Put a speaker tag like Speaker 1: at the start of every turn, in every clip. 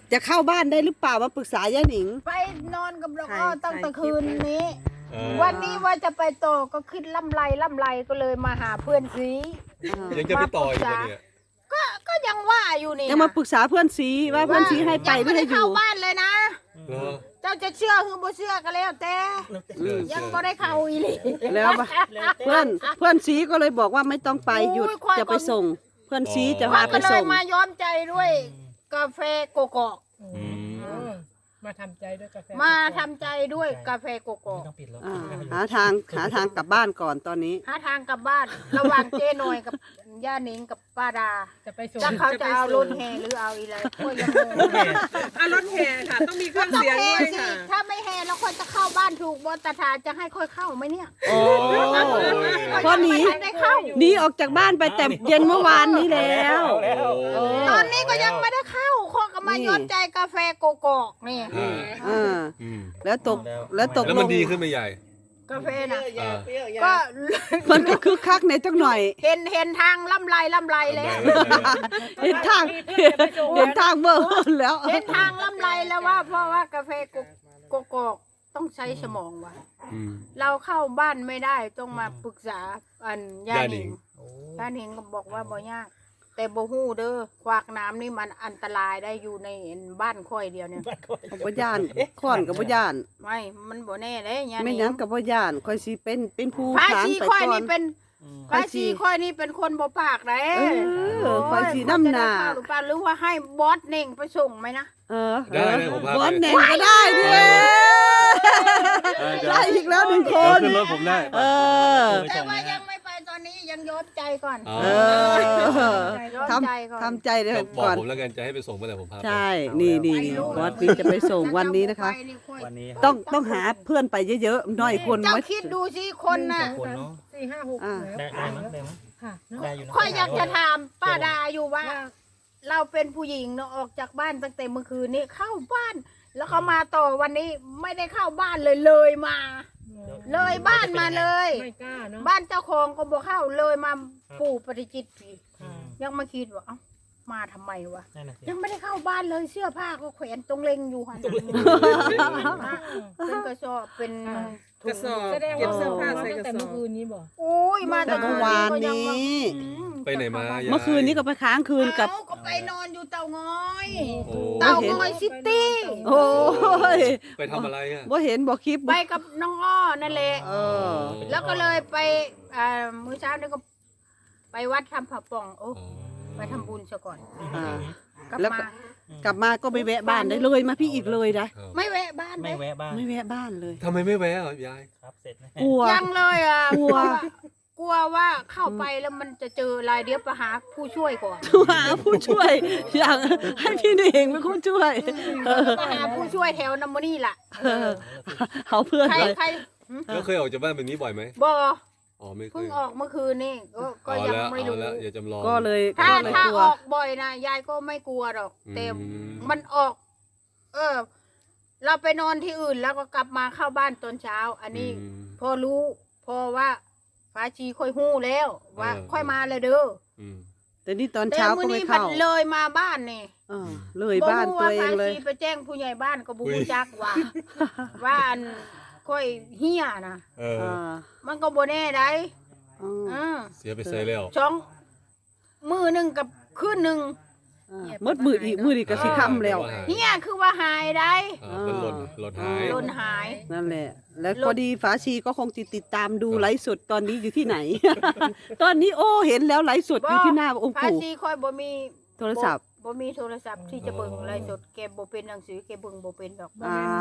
Speaker 1: จะเข้าบ้านได้หรือเปล่ามาปรึกษายายหนิง
Speaker 2: ไปนอนกับดอกอ้อตั้งแต่คืนนี้
Speaker 3: วั
Speaker 2: วันนี้ว่าจะไปต่อก็คิดล่ำไรก็เลยมาหาเพื่อนซี
Speaker 3: ยังจะไปต่ออีกเหรอเนี่ย
Speaker 2: ก็ยังว่าอยู่นี่
Speaker 1: ยังมาปรึกษาเพื่อนซีว่าเพื่อนซีให้ไปหรือให้อ
Speaker 2: เข้า
Speaker 1: ยู่
Speaker 2: บ้านเลยนะ
Speaker 3: เหรอ
Speaker 2: เจ้าจะเชื่อหรือบ่เชื่อก็แล้วแต่ ยังบ่ได้เข้าอีหลี
Speaker 1: แล้วเพื่อนซีก็เลยบอกว่าไม่ต้องไปหยุดจะไปส่ง เพื่อนซีจะพาไป
Speaker 2: ก็เล
Speaker 1: ส่
Speaker 2: ย
Speaker 1: ง
Speaker 2: มาย้อมใจด้วยกาแฟโกโก้
Speaker 3: อืม
Speaker 4: มาทำใจด้วยกาแฟ
Speaker 2: มาทำใจด้วยกาแฟโกโก้
Speaker 5: ต้องปิดแล้ว
Speaker 1: หาทางกลับบ้านก่อนตอนนี้
Speaker 2: หาทางกลับบ้าน ระหว่างเจ๊หน่อยกับย่าหนิงกับป้าดา
Speaker 4: จะไปส่ง
Speaker 2: แล้วเขาจะเอารถแห่หรือเอาอะไรก็ยังงง
Speaker 6: รถแห่ค่ะ ต้องมีเครื่อง
Speaker 2: ต้อง
Speaker 6: เสียง
Speaker 2: แห่
Speaker 6: ด้วย
Speaker 2: สิ
Speaker 6: ค่ะ
Speaker 2: ถ้าไม่แห่แล้วคนจะเข้าบ้านถูกบอตถาจะให้ค่อยเข้าไหมเนี่ย
Speaker 1: โอ้พอหนี
Speaker 2: ไม่ได้เข้า
Speaker 1: หนีออกจากบ้านไปแต่เย็นเมื่อวานนี้แล้ว
Speaker 3: โอ้
Speaker 2: ตอนนี้ก็ยังไม่ได้เข้าคนก็มาย้อนใจกาแฟโกโก้นี่
Speaker 3: อ่า
Speaker 1: อืมแล้วตกแล้ว
Speaker 3: แล้วมันดีขึ้นไหมใหญ่
Speaker 2: กาแฟนะ
Speaker 3: อ่า
Speaker 2: ก็
Speaker 1: มันก็คึกคักในจังหน่อย
Speaker 2: เห็นทางล่ำไรแล้ว
Speaker 1: เห็นทางเบอร์แล้ว
Speaker 2: เห็นทางล่ำไรแล้วว่า เพราะว่ากาแฟโกโก้ต้องใช้สมองว่ะ
Speaker 3: อืม
Speaker 2: เราเข้าบ้านไม่ได้ต้องมาปรึกษาอันย่า
Speaker 3: ย่า
Speaker 2: ห
Speaker 3: หนิ
Speaker 2: นิง
Speaker 3: ง
Speaker 2: ย่าหนิงก็บอกว่าบ่ยาก แต่บ่ฮู้เด้อควักน้ำนี่มันอันตรายได้อยู่ในบ้านค่อยเดียวเนี่ย
Speaker 1: กับบ่ย่านค้อนกับบ่ย่าน
Speaker 2: ไม่มันบ่แน่เด้ย่าห
Speaker 1: ไม่
Speaker 2: นิง
Speaker 1: ยั้งกับบ่ย่านค่อยสิเป็นผู้
Speaker 2: พระ
Speaker 1: ทาง
Speaker 2: ชี
Speaker 1: ไป
Speaker 2: ค่อย
Speaker 1: ก่อน
Speaker 2: นี่เป็นพระชีค่อยนี่เป็นคนบ่ปากเด้
Speaker 1: ค่อยสิน้ำหน้า
Speaker 2: หรือเปล่าหรือว่าให้บอสเน่งไปส่งไหมนะ
Speaker 3: ได้ผมพาไป
Speaker 1: บอสแหน่งก็ได้ด้วยได้อีกแล้วหนึ่งคน
Speaker 3: ขึ้นรถผมได้
Speaker 1: เออ
Speaker 2: แต่ว่ายังไม่ไปตอนนี้ยังย้อนใจก่อน
Speaker 3: อ๋อ
Speaker 2: ย้อน
Speaker 1: ท
Speaker 2: ใจก่อน
Speaker 1: ำทำใจเลย
Speaker 3: ก็บอก
Speaker 1: ก่อน
Speaker 3: ผมแล้วกันจะให้ไปส่งเมื่อไหร่ผมพาไป
Speaker 1: ใช่นี่บอสนี่จะไปส่งวันนี้นะคะ
Speaker 5: วันนี้
Speaker 1: ต้องหาเพื่อนไปเยอะๆหน่อยคน
Speaker 2: เจ้า
Speaker 1: ไว้
Speaker 2: คิดดูสิคนน่ะ
Speaker 5: คนเนาะ
Speaker 4: 4 5 6
Speaker 1: อ่า
Speaker 5: ได้มั้งได้มั้ง
Speaker 4: ค่ะเนาะ
Speaker 5: ได้อยู่นะ
Speaker 2: ค่อยอยากจะถามป้าดาอยู่ว่า เราเป็นผู้หญิงเนาะออกจากบ้านตั้งแต่เมื่อคืนนี้เข้าบ้าน แล้วเขามาต่อวันนี้ไม่ได้เข้าบ้านเลยมา เลยบ้านมาเลย
Speaker 4: ไม่กล้าเนาะ
Speaker 2: บ้านเจ้าของก็บอกเข้าเลยมาปู่ปฏิจิตรผี
Speaker 4: ค่ะ
Speaker 2: ยังมาคิดว่าเอ้ามาทำไมวะ
Speaker 5: นั่นน่ะสิ
Speaker 2: ยังไม่ได้เข้าบ้านเลยเสื้อผ้าก็แขวนตรงเล็งอยู่หันเป็นกระสอบเป็น
Speaker 6: กระสอบ
Speaker 4: แสดง
Speaker 6: เก็บ
Speaker 4: ว่า
Speaker 6: เสื้อผ้า
Speaker 4: มา
Speaker 6: ใส่
Speaker 4: ตั้ง
Speaker 6: กระ
Speaker 4: แต่
Speaker 6: สอ
Speaker 4: เมื่อบ คืนนี้บอก
Speaker 2: โอ้ยมา
Speaker 1: แต่เมื่อวานนี้
Speaker 3: ไปไหนมา
Speaker 1: เมื่อคืนนี้ก็ไปค้างคืนกับ
Speaker 2: ก็ไปนอนอยู่เตางอย
Speaker 3: โอ้
Speaker 2: เตางอยซิตี้
Speaker 1: โอ้ย
Speaker 3: ไปทำอะไรอ่ะ
Speaker 1: บ่เห็นบ่คลิป
Speaker 2: ไปกับน้องอ้อนั่นแหละ
Speaker 1: เออ
Speaker 2: แล้วก็เลยไปมื้อเช้านี่ก็ไปวัดทำผักป่องโอ้ไปทำบุญซะก่อน
Speaker 1: อ่า
Speaker 2: กลับ
Speaker 1: แล้ว
Speaker 2: มา
Speaker 1: กลับมาก็ไปแวะบ้านได้เลยมาพี่อีกเลยนะ
Speaker 2: ไม่แวะบ้าน
Speaker 5: ไม่
Speaker 2: เลย
Speaker 5: แวะบ้าง
Speaker 1: ไม่แวะบ้านเลย
Speaker 3: ทำไมไม่แวะอ่ะยาย
Speaker 5: ครับเสร็จนะ
Speaker 1: กลัว
Speaker 2: ยังเลยอ่ะ
Speaker 1: กลัว
Speaker 2: กลัวว่าเข้าไปแล้วมันจะเจออะไรเดี๋ยวไปหาผู้ช่วยก่อน
Speaker 1: หาผู้ช่วย อยากให้พี่เองเป็นผู้ช่วยเออ
Speaker 2: ไปหาผู้ช่วยแถวนัมโมนี่ล่ะ
Speaker 1: เอาเพื่อน
Speaker 2: ใคร
Speaker 1: เลย
Speaker 2: ใคร
Speaker 3: แล้วเคยออกจากบ้านแบบนี้บ่อยไหม
Speaker 2: บอ
Speaker 3: อ๋อไม่เค
Speaker 2: เพิ่ง
Speaker 3: ย
Speaker 2: ออกเมื่อคืนนี่ก็
Speaker 3: เอา
Speaker 2: ยัง
Speaker 3: แล้ว
Speaker 2: ไม่
Speaker 3: เอา
Speaker 2: รู้
Speaker 3: แล้วอย่าจำลอง
Speaker 1: ก็เลย
Speaker 2: ถ้า
Speaker 1: ก็เลย
Speaker 2: ถ้าก
Speaker 1: ลัว
Speaker 2: ออกบ่อยนะยายก็ไม่กลัวหรอก แต่
Speaker 3: อืม
Speaker 2: มันออก เราไปนอนที่อื่นแล้วก็กลับมาเข้าบ้านตอนเช้า อันนี้
Speaker 3: อืม
Speaker 2: พอรู้พอว่าฟ้าชีค่อยหู้แล้ว ว่า ค่อยมาเลยเด้อ
Speaker 3: อืม
Speaker 1: แต่นี่ตอน
Speaker 2: แต่
Speaker 1: เช้า
Speaker 2: มื้
Speaker 1: ก็
Speaker 2: อ
Speaker 1: ไม่
Speaker 2: นี้
Speaker 1: เข้า
Speaker 2: มันเลยมาบ้านนี่
Speaker 1: เออเลยบ้าน
Speaker 2: รู้
Speaker 1: ตัวเอง
Speaker 2: ฟ้า
Speaker 1: เลย
Speaker 2: ชีไปแจ้งผู้ใหญ่บ้านก็บุรู้จักว่า ว่าอันค่อยเฮียนะ
Speaker 3: เออ
Speaker 1: อ่า
Speaker 2: มันก็บ่แน่ได้
Speaker 1: อืม
Speaker 2: อืม
Speaker 3: เสียไปใส่แล้ว
Speaker 2: สองมือหนึ่งกับคืนหนึ่ง
Speaker 1: มืดอีกก็สิค่ำแล้ว
Speaker 2: เฮียคือว่าหายได้
Speaker 3: อ่าเป็นหล่นหาย
Speaker 2: หล่นหาย
Speaker 1: นั่นแหละ แล้วพอดีฝาชีก็คงติดตามดูไลฟ์สดตอนนี้อยู่ที่ไหน ตอนนี้โอ้เห็นแล้วไลฟ์สดอยู่ที่หน้าองค์
Speaker 2: ฟ้า
Speaker 1: ปู่
Speaker 2: ชีค่อยบ่มี
Speaker 1: โทรศัพท์
Speaker 2: บ่มีโทรศัพท์ที่จะเบิ่งไลฟ์สดแกบ่เป็นหนังสือแกเบิ่งบ่เป็นดอก
Speaker 1: อ้าว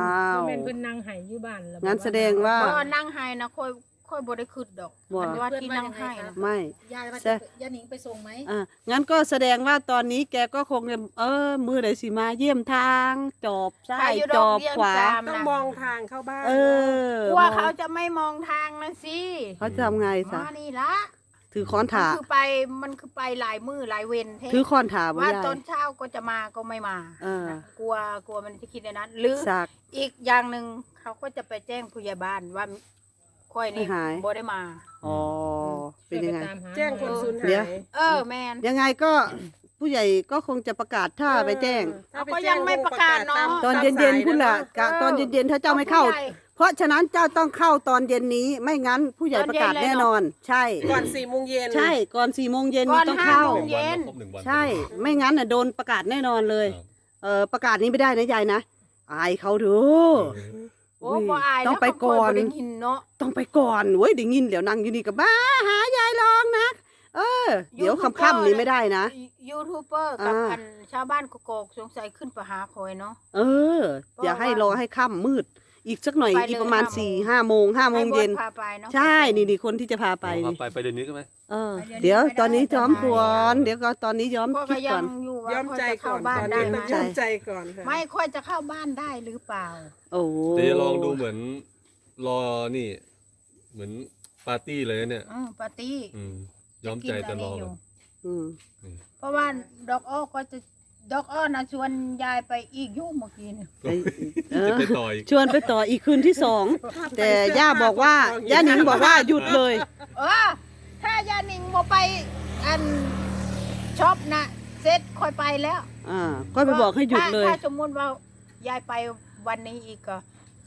Speaker 4: แม่นเพิ่นนั่งไห้อยู่บ้านแล้ว
Speaker 1: งั้นแสดงว่า
Speaker 2: เพราะนั่งให้นะค่อยบ่ได้คืดดอก
Speaker 1: บ่
Speaker 2: อันว่าที่นั่งให้นะ
Speaker 1: ไม่
Speaker 6: ยายว่า
Speaker 1: ใช่
Speaker 6: ย่าหนิงไปส่งไหม
Speaker 1: งั้นก็แสดงว่าตอนนี้แกก็คงจะมือไหนสิมาเยี่ยมทางจอบซ้า
Speaker 2: ใคร
Speaker 1: ย
Speaker 2: อยู่
Speaker 1: จ
Speaker 2: ดอ
Speaker 1: อก บ
Speaker 2: เบี้ย
Speaker 1: ขวา
Speaker 2: จาม
Speaker 6: ต้อง
Speaker 2: นะ
Speaker 6: มองทางเข้าบ้าน
Speaker 1: เออก
Speaker 2: ลัวเขาจะไม่มองทางนะสิ
Speaker 1: เขาจะทำไงซะ
Speaker 2: มานี่ละ
Speaker 1: ถือค้อนถา
Speaker 2: มันคือไปหลายมือหลายเวนเท่
Speaker 1: ถือค้อนถาบ่
Speaker 2: ว่า
Speaker 1: ได้
Speaker 2: ตอนเช้าก็จะมาก็ไม่มา
Speaker 1: เออ
Speaker 2: นะกลัวมันจะคิดในนั้น หรือ
Speaker 1: สัก
Speaker 2: อีกอย่างหนึ่งเขาก็จะไปแจ้งผู้ใหญ่บ้านว่าค่อยนี่
Speaker 1: หาย
Speaker 2: บ่ได้มา
Speaker 1: อ๋อเป็นยังไง
Speaker 6: แจ้งคนสูญหา
Speaker 1: เดี๋ยว
Speaker 6: ย
Speaker 2: แมน
Speaker 1: ยังไงก็ผู้ใหญ่ก็คงจะประกาศถ้าไปแจ้ง
Speaker 6: ถ้าป
Speaker 2: ก็
Speaker 6: แจ้
Speaker 2: ยังไม่ประกาศเนอะ
Speaker 1: ตอนเย็นๆพุ่นล่ะกะตอนเย็นๆถ้าเจ้าไม่เข้า
Speaker 2: ผู้ใหญ่
Speaker 1: เพราะฉะนั้นเจ้าต้องเข้าตอนเย็นนี้ไม่งั้นผู้ใหญ่ประกาศแน่นอน ใช่
Speaker 6: ก่อน4 โมงเย็น
Speaker 1: ใช่ก่อน4 โมงเย็น
Speaker 2: ก่
Speaker 1: นี่
Speaker 2: อน
Speaker 1: ต้อง
Speaker 2: ห้า
Speaker 1: เข้า
Speaker 2: โมงเย็น
Speaker 3: ครบ1 วัน
Speaker 1: ใช่ไม่งั้นน่ะโดนประกาศแน่นอนเลย ประกาศนี้ไม่ได้นะยายนะอายเขาเถอะ
Speaker 2: โอ้บ่อาย
Speaker 1: ต้องไปก่อน
Speaker 2: แล้วเขาเคยบ่ได้ยินเนาะ
Speaker 1: ต้องไปก่อนเว้ยเดี๋ยวงินเดี๋ยวนั่งอยู่นี่กับบ้าหายายลองนะเดี๋ยวค่ำๆนี้ไม่ได้นะ
Speaker 2: ยูทูบเบอร์กับ
Speaker 1: อ่า
Speaker 2: อันชาวบ้านกกอกสงสัยขึ้นไปหาคอยเนาะ
Speaker 1: อย่าให้รอให้ค่ำมืด อีกสักหน่อย
Speaker 2: ไปเลย
Speaker 1: อีกประมาณ
Speaker 2: 5
Speaker 1: 4-5 โมง5 โมงเย็น
Speaker 2: ให้บอสพาไปเนาะ
Speaker 1: ใช่นี่คนที่จะพาไป
Speaker 3: ไป
Speaker 1: นี่
Speaker 3: ไปเดือนนี้ก็ไหม
Speaker 1: เดี๋ยวตอนนี้ย้อมก่อนเดี๋ยวก็ตอนนี้ย้อม
Speaker 2: พ่อ
Speaker 1: คิ
Speaker 2: ก็
Speaker 1: ด
Speaker 2: ยั
Speaker 1: ก่อน
Speaker 2: งอยู่ว่า
Speaker 6: ย้อม
Speaker 2: ค่อย
Speaker 6: ใจ
Speaker 2: จะ
Speaker 6: ก่
Speaker 2: เข้า
Speaker 6: อน
Speaker 2: บ้าน
Speaker 6: ตอน
Speaker 2: ได้
Speaker 6: นี้
Speaker 2: ไหม
Speaker 6: ต้องย้อมใจก่อนค่ะ
Speaker 2: ไม่ค่อยจะเข้าบ้านได้หรือเปล่า
Speaker 1: โอ้
Speaker 3: เดี๋ยวลองดูเหมือนรอนี่ เหมือนปาร์ตี้เลยนะเนี่ย
Speaker 2: ปาร์ตี้
Speaker 3: ย้อมใจแต่รอก่อน
Speaker 1: อืม
Speaker 2: เพราะว่าดอกอ้อก็จะดอกอ้อนะชวนยายไปอีกยุ่งเมื่อกี้เนี่ย
Speaker 3: จะไปต่ออีก
Speaker 1: ชวนไปต่ออีกคืนที่2แต่ย่าบอกว่าย่าหนิงบอกว่าหยุดเลย
Speaker 2: ถ้ายานิงบ่ไปอันช็อปนะเซ็ตค่อยไปแล้ว
Speaker 1: ก็ไปบอกให้หยุดเลย
Speaker 2: ถ้าสมมติว่ายายไปวันนี้อีกก็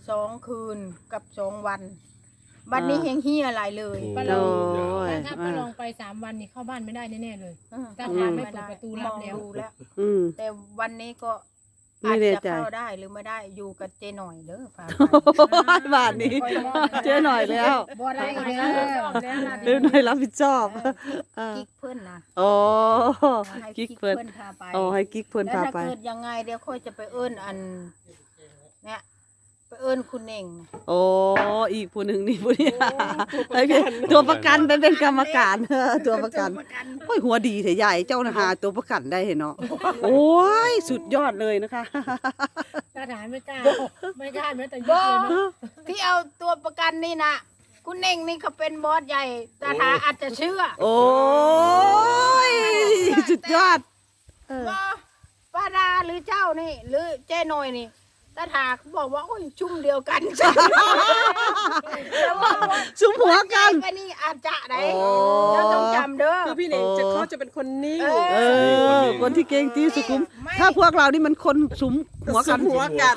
Speaker 2: 2 คืนกับ2 วันวันนี้เฮงเฮียอะไรเลย
Speaker 3: โอ้
Speaker 4: โอ้
Speaker 3: ย
Speaker 4: ถ้าไปลองไป3 วันนี่เข้าบ้านไม่ได้แน่ๆเลย ถ้า
Speaker 1: อืม
Speaker 4: ทานไม่เปิดประตูรับแล้ว
Speaker 2: มองดูแล้ว
Speaker 1: อืม
Speaker 2: แต่วันนี้ก็
Speaker 1: ไม่
Speaker 2: อาจ
Speaker 1: แน่
Speaker 2: จะ
Speaker 1: ใจ
Speaker 2: เข้าได้หรือไม่ได้อยู่กับเจหน่อยเด้อฝาก
Speaker 1: บาทนี้เจอหน่อยแล้ว
Speaker 2: บ่ได้
Speaker 4: ไป
Speaker 2: เด้
Speaker 4: แล้ว
Speaker 1: เดี๋ยวหน่อยรับผิดชอบ
Speaker 2: กิ๊กเพื่อนนะ
Speaker 1: โอ้
Speaker 2: ให้
Speaker 1: กิ๊ก
Speaker 2: กิ๊ก
Speaker 1: เพิ่น
Speaker 2: เพื่อนพาไป
Speaker 1: ให้กิ๊กเพิ่น
Speaker 2: แล้ว
Speaker 1: พา
Speaker 2: ถ้า
Speaker 1: ไป
Speaker 2: เกิดยังไงเดี๋ยวค่อยจะไปเอิ้นอันเนี่ยไปเอิ้นคุณเองนะ
Speaker 1: โอ้อีกผู้หนึ่งนี่ผู้นี้โอเคตัวประกันไปเป็นกรรมการตัวประกันโอ้ยหัวดีเถอะใหญ่เจ้าหาตัวประกันได้เห็นเนาะโอ้ยสุดยอดเลยนะคะ
Speaker 4: ถ้าทานไม่กล้าไม่กล้าแม้แต่
Speaker 2: บ
Speaker 4: ยื
Speaker 2: อ
Speaker 4: ดเลยนะ
Speaker 2: ที่เอาตัวประกันนี่นะคุณเองนี่เขาเป็นบอสใหญ่ตาทาอาจจะเชื่อ
Speaker 1: โอ้ยสุดยอด
Speaker 2: บอป้าดาหรือเจ้านี่หรือเจ้หน่อยนี่ตาทาเขาบอกว่าโอ้ยชุ่มเดียวกันแล้วว่า
Speaker 1: สุมหัวกัน
Speaker 2: ไปนี่อาจจะได้
Speaker 1: โอ้
Speaker 2: เราต้องจำเด้อ
Speaker 6: คือพี่เน่งเขาจะเป็นคนนิ่ง
Speaker 2: เออ
Speaker 1: คนที่เก่งที่สุขุม
Speaker 2: ไม่
Speaker 1: ถ้าพวกเรานี่มันคนสุมหัวกัน
Speaker 6: หัวกัน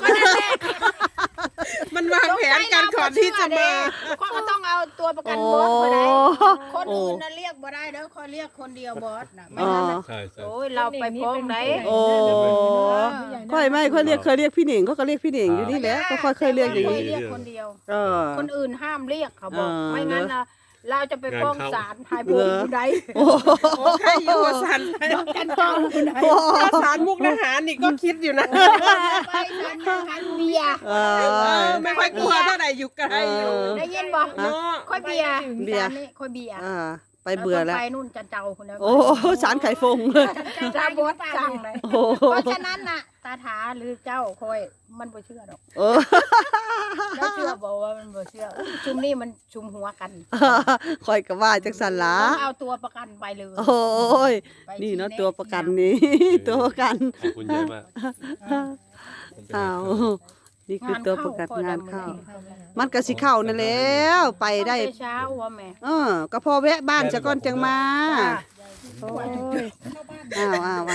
Speaker 6: มันวางแผนกันก่อนที่จะมา
Speaker 2: เขาก็ต้องเอาตัวประกัน
Speaker 1: โอ้
Speaker 2: บอสมาได้คน
Speaker 1: โอ้
Speaker 2: อื่นน่ะเรียกบ่ได้เด้อเขาเรียกคนเดียวบอสน่ะไม่งั้นน่ะ
Speaker 3: ใช่ใช่
Speaker 2: โอ้ยเราไปพ้องไหน
Speaker 1: โอ้ค่อยไม่ค่อยเรียกเคยเรียกพี่เหน่งเขาก็เรียกพี่เหน่งอยู่นี่แหละก็ค่อยเคยเรียกอย่าง
Speaker 2: เค
Speaker 1: นี้
Speaker 2: ยเรียกคนเดียว
Speaker 1: เออ
Speaker 2: คนอื่นห้ามเรียกเขาบอก ไม่งั้น
Speaker 1: เนอะ
Speaker 2: นะเราจะไปฟ้องศาลหายโบนผู้ใด
Speaker 1: โอ้
Speaker 6: โอ้ใครอยู่หัวสันไป
Speaker 2: กันเจ้าผู้ใด
Speaker 6: ถ้าสารมุกทหารนี่ก็คิดอยู่นะ
Speaker 2: ไปศาลกันเบียร์
Speaker 1: เออ
Speaker 6: ไม่ค่อยกลัวเท่าไหร่อยู่ไกลอยู่
Speaker 2: ได้ยินบ่
Speaker 6: เนาะ
Speaker 2: ค่อยเบียร์
Speaker 1: เบียร์
Speaker 2: ศาลนี่ค่อยเบียร์
Speaker 1: ไปเบื่อแล้ว
Speaker 2: ไปนู่นจันเจ้าคนนั้น
Speaker 1: โอ้สารไข่ฟง
Speaker 2: ตาบอสสั่งเลย
Speaker 1: โอ้
Speaker 2: เพราะฉะนั้นน่ะ ตาถาหรือเจ้าคอยมันบ่เชื่อดอก
Speaker 1: โอ้
Speaker 2: แล้วเชื่อบอกว่ามันบ่เชื่ออุ๊ยชุมนี่มันชุมหัวกัน
Speaker 1: คอยกับว่าจักสันหละ
Speaker 2: ต้องเอาตัวประกันไปเลย
Speaker 1: โอ้ย
Speaker 2: ไป
Speaker 1: นี่เนาะ
Speaker 2: ชี้แ
Speaker 1: ตัวประกันนี่ ตัวประกัน
Speaker 3: ขอบคุณเยอะมาก
Speaker 1: อ้าวนี่คือตัวประกันงานเข้า
Speaker 2: เข้า
Speaker 1: มันก็สิเข้านั่นแล้วไปได้
Speaker 2: เช้าว่าแม่
Speaker 1: ก็พอแวะบ้านจะก่อนจังมา
Speaker 2: จ้า
Speaker 1: โอ้ยอ้าว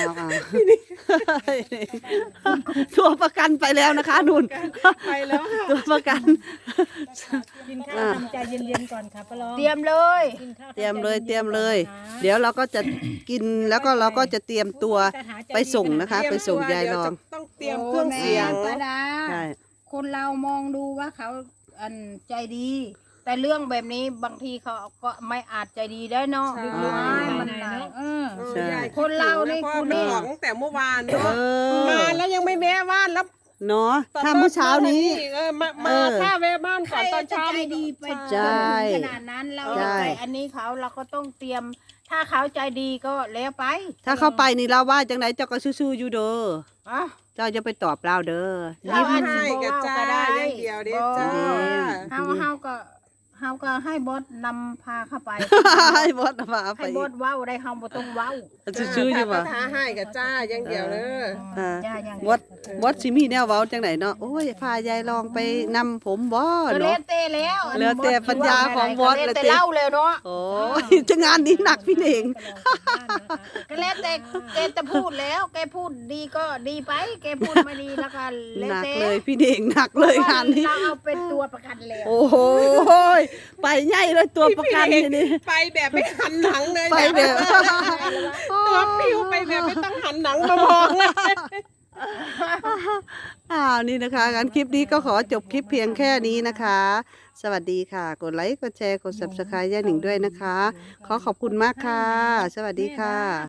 Speaker 1: ตัวประกันไปแล้วนะคะนุ่น
Speaker 6: ไปแล้วค่ะ
Speaker 1: ตัวประกัน
Speaker 4: กินข้าวทำใจเย็นๆก่อนค่ะป้าลอง
Speaker 2: เตรียมเลย
Speaker 4: กินข้าว
Speaker 1: เตรียมเลย
Speaker 4: ทำใจ
Speaker 1: เตรียมเลย
Speaker 4: ก่อนนะ
Speaker 1: เดี๋ยวเราก็จะกินแล้วก็เราก็จะเตรียมตัวไปส่งนะคะ ไปส่งยายรอง
Speaker 6: ต้องเตรียมเครื่องเสียง
Speaker 2: โแม่ป้าดา
Speaker 1: ใช่
Speaker 2: คนเรามองดูว่าเขาอันใจดี แต่เรื่องแบบนี้บางทีเขาก็ไม่อาจใจดีได้เนาะ
Speaker 6: ใช่
Speaker 2: มันหลาย
Speaker 1: ใช่
Speaker 6: ยาย
Speaker 2: คนเรานี่
Speaker 6: พ่อ
Speaker 2: คุณ
Speaker 6: ไป
Speaker 2: นี่
Speaker 6: บอกตั้งแต่เมื่อวาน
Speaker 1: เอ
Speaker 6: เนาะ
Speaker 1: อ
Speaker 6: มาแล้วยังไม่แวะบ้านแล้ว
Speaker 1: เนาะถ้าเมื่อเช้านี้
Speaker 6: มาถ้าแวะบ้าน
Speaker 2: ใค
Speaker 6: ก่
Speaker 2: ร
Speaker 6: อนตอน
Speaker 2: จะ
Speaker 6: เช้า
Speaker 2: ใจดีไป
Speaker 1: ใช่
Speaker 2: ขนาดนั้นเรา
Speaker 1: ใช่
Speaker 2: จะไปอันนี้เขาเราก็ต้องเตรียม ถ้าเขาใจดีก็แล้วไป
Speaker 1: ถ้าเข้าไปนี่เราว่าจังไหนเจ้าก็ซื่อๆอยู่เด้อ
Speaker 2: อ่ะ
Speaker 1: เจ้าจะไปตอบเราเด้อ
Speaker 2: เรา
Speaker 6: ยิ้ม
Speaker 2: อาจสิ
Speaker 6: ให้
Speaker 2: บ่
Speaker 6: กับ
Speaker 2: เว้า
Speaker 6: จ้า
Speaker 2: ก็ได้
Speaker 6: อย่างเดียวเด้อจ้า
Speaker 2: เฮาก็เฮาก็ให้บอสนำพาเข้าไป
Speaker 1: ให้บอสมาไป
Speaker 2: ให้บอสเว้าได้เฮาบ่ต้องเว้า
Speaker 1: ชื่อๆอยู่บ่
Speaker 6: ท้าให้กับจ้าอย่างเดียวเลย
Speaker 1: อ่า
Speaker 2: จ้าอย่าง
Speaker 1: บอสบอสสิมีแนวเว้าจังไหนเนาะโอ้ยพายายลองไปนำผมบ่
Speaker 2: ก็แล้
Speaker 1: เนาะ
Speaker 2: วแต่แล้วอัน
Speaker 1: แล้วแต่ปัญญาของบอส
Speaker 2: ก็แล้วแต่
Speaker 1: เลย
Speaker 2: เล่าแล้วเนาะ
Speaker 1: โอ้ยจะงานนี้หนักพี่เอง
Speaker 2: ก็แล้วแต่แกจะพูดแล้ว แกพูดดีก็ดีไป แกพูดไม่ดีแล้วก็แล้ว
Speaker 1: หนัก
Speaker 2: แต่
Speaker 1: เลยพี่เองหนักเลยงานนี้
Speaker 2: เราเอาเป็นตัวประกันแล้ว
Speaker 1: โอ้โหไปใหญ่เลยตัวประกันนี่นี่
Speaker 6: ไปแบบไม่หันหนังเลย
Speaker 1: ไปแบบ
Speaker 6: ตัวปิ้วไปแบบไม่ต้องหันหนังมามองเลย
Speaker 1: นี่นะคะงั้นคลิปนี้ก็ขอจบคลิปเพียงแค่นี้นะคะ สวัสดีค่ะ กดไลค์กดแชร์กด subscribe ย่าหนิงด้วยนะคะ ขอขอบคุณมากค่ะ สวัสดีค่ะ